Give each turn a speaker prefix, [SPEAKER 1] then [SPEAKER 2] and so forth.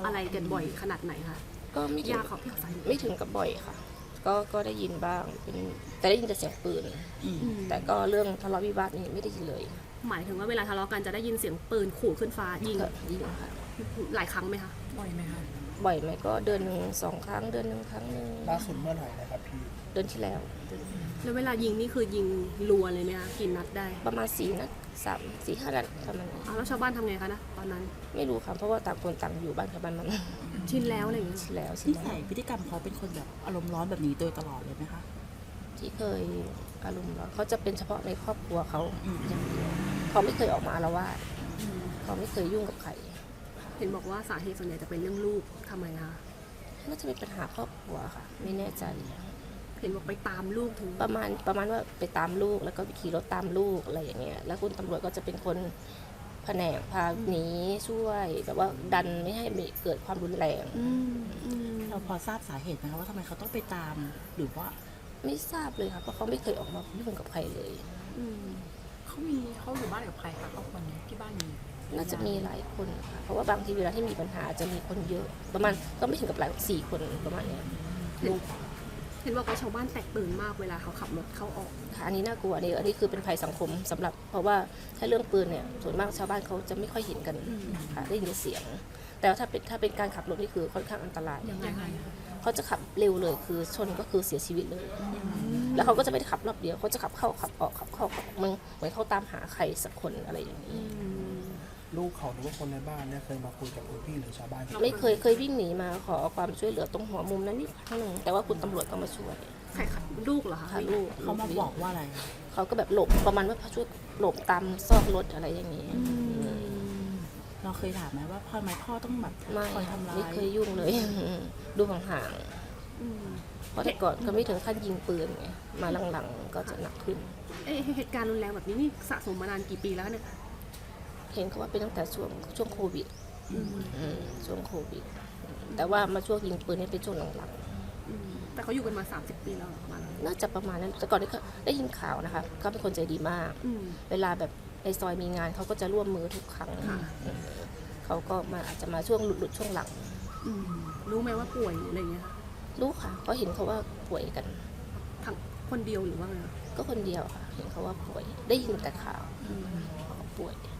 [SPEAKER 1] อะไรกันบ่อยขนาดไหนคะ
[SPEAKER 2] ก็ไม่ถึง
[SPEAKER 1] ยาเขาที่เขาใส่
[SPEAKER 2] ไม่ถึงกับบ่อยค่ะก็ได้ยินบ้างแต่ได้ยินแต่เสียงปืนแต่ก็เรื่องทะเลาะวิวาทนี่ไม่ได้ยินเลย
[SPEAKER 1] หมายถึงว่าเวลาทะเลาะกันจะได้ยินเสียงปืนขู่ขึ้นฟ้ายิง
[SPEAKER 2] ก็ยิงค่ะ
[SPEAKER 1] หลายครั้งไหมคะ
[SPEAKER 3] บ่อยไหมคะ
[SPEAKER 2] บ่อยไหมก็เดือนหนึ่ง2 ครั้งเดือนหนึ่งครั้งหนึ่ง
[SPEAKER 4] ล่าสุดเมื่อไหร่นะครับพี่
[SPEAKER 2] เดือนที่แล้ว
[SPEAKER 1] แล้วเวลายิงนี่คือยิงรัวเลยไหมคะกี่นัดได้
[SPEAKER 2] ประมาณ4 นัด3-4-5 นัดประมาณนี้
[SPEAKER 1] แล้วชาวบ้านทำไงคะนะตอนนั้น
[SPEAKER 2] ไม่รู้ค่ะเพราะว่าต่างคนต่างอยู่บ้านกับบ้านมัน
[SPEAKER 1] ชินแล้วอะไรอย่างเงี้ย
[SPEAKER 2] ชินแล้ว
[SPEAKER 3] นิสัยพฤติกรรมเขาเป็นคนแบบอารมณ์ร้อนแบบนี้โดยตลอดเลยไหมคะ
[SPEAKER 2] ที่เคยอารมณ์ร้อนเขาจะเป็นเฉพาะในครอบครัวเขาอย่างเดียวเขาไม่เคยออกมาอาละวาดเขาไม่เคยยุ่งกับใคร
[SPEAKER 1] เห็นบอกว่าสาเหตุส่วนใหญ่จะเป็นเรื่องลูกทำไมคะ
[SPEAKER 2] น่าจะเป็นปัญหาครอบครัวค่ะ ไม่แน่ใจ
[SPEAKER 1] เห็นบอกไปตามลูกถึง
[SPEAKER 2] ประมาณว่าไปตามลูกแล้วก็ขี่รถตามลูกอะไรอย่างเงี้ยแล้วคุณตำรวจก็จะเป็นคนแผนกพาหนีช่วยแบบว่าดันไม่ให้เกิดความรุนแรง
[SPEAKER 3] เราพอทราบสาเหตุไหมคะว่าทำไมเขาต้องไปตามหรือว่า
[SPEAKER 2] ไม่ทราบเลยค่ะเพราะเขาไม่เคยออกมายุ่งกับใครเลย
[SPEAKER 5] เขาอยู่บ้านกับใครคะครอบครัวนี้ที่บ้านมี
[SPEAKER 2] น่าจะมีหลายคนค่ะเพราะว่าบางทีเวลาที่มีปัญหาจะมีคนเยอะประมาณก็ไม่ถึงกับหลาย4 คนประมาณเนี้ย
[SPEAKER 1] เห็นบอกว่าชาวบ้านแตกตื่นมากเวลาเขาขับรถเข้าออก
[SPEAKER 2] ค่ะอันนี้น่ากลัวอันนี้คือเป็นภัยสังคมสำหรับเพราะว่าถ้าเรื่องปืนเนี่ยส่วนมากชาวบ้านเขาจะไม่ค่อยเห็นกันค่ะได้ยินเสียง แต่ว่าถ้าเป็นการขับรถนี่คือค่อนข้างอันตราย
[SPEAKER 1] ยังไงคะ
[SPEAKER 2] เขาจะขับเร็วเลยคือชนก็คือเสียชีวิตเลย แล้วเขาก็จะไม่ได้ขับรอบเดียวเขาจะขับเข้าขับออกขับเข้าขับออกเหมือนเขาตามหาใครสักคนอะไรอย่างนี้
[SPEAKER 4] ลูกเขาหรือว่าคนในบ้านเนี่ยเคยมาคุยกับคุณพี่หรือชาวบ้านที่
[SPEAKER 2] ไม่เคยวิ่งหนีมาขอความช่วยเหลือตรงหัวมุมนั้นนิดครั้งหนึ่งแต่ว่าคุณตำรวจก็มาช่วย
[SPEAKER 1] ใครขับลูกเหรอคะ
[SPEAKER 2] ค่ะลูก
[SPEAKER 3] เขามาบอกว่าอะไร
[SPEAKER 2] เขาก็แบบหลบประมาณว่าช่วยหลบตามซอกรถอะไรอย่างนี้
[SPEAKER 3] เราเคยถามไหมว่าทำไมพ่อต้องแบบ
[SPEAKER 2] ไม่
[SPEAKER 3] คอยทำร้า
[SPEAKER 2] ไม่
[SPEAKER 3] ย
[SPEAKER 2] เคยยุ่งเลย ดูห่างๆเพราะแต่ก่อนก็ไม่ถึงขั้นยิงปืนไงมาหลังๆก็จะหนักขึ้น
[SPEAKER 1] เหตุการณ์รุนแรงแบบนี้นี่สะสมมานานกี่ปีแล้วเนี่ย
[SPEAKER 2] เห็นเขาว่าเป็นตั้งแต่ช่วงโควิดช่วงโควิด แต่ว่ามาช่วงยิงปืนนี่เป็นช่วงหลัง
[SPEAKER 1] แต่เขาอยู่กันมา30 ปีแล้วเหรอประมาณนั้น
[SPEAKER 2] ๆน่าจะประมาณนั้นแต่ก่อนนี้ก็ได้ยินข่าวนะคะเขาเป็นคนใจดีมาก เวลาแบบในซอยมีงานเขาก็จะร่วมมือทุกครั้งเขาก็มาอาจจะมาช่วงหลุดช่วงหลัง
[SPEAKER 1] รู้ไหมว่าป่วยหรืออะไรเงี้ยคะ
[SPEAKER 2] รู้ค่ะเขาเห็นเขาว่าป่วยกัน
[SPEAKER 1] ทั้งคนเดียวหรือว่าไงคะ
[SPEAKER 2] ก็คนเดียวค่ะ เห็นเขาว่าป่วยได้ยินแต่ข่าวเขาป่วย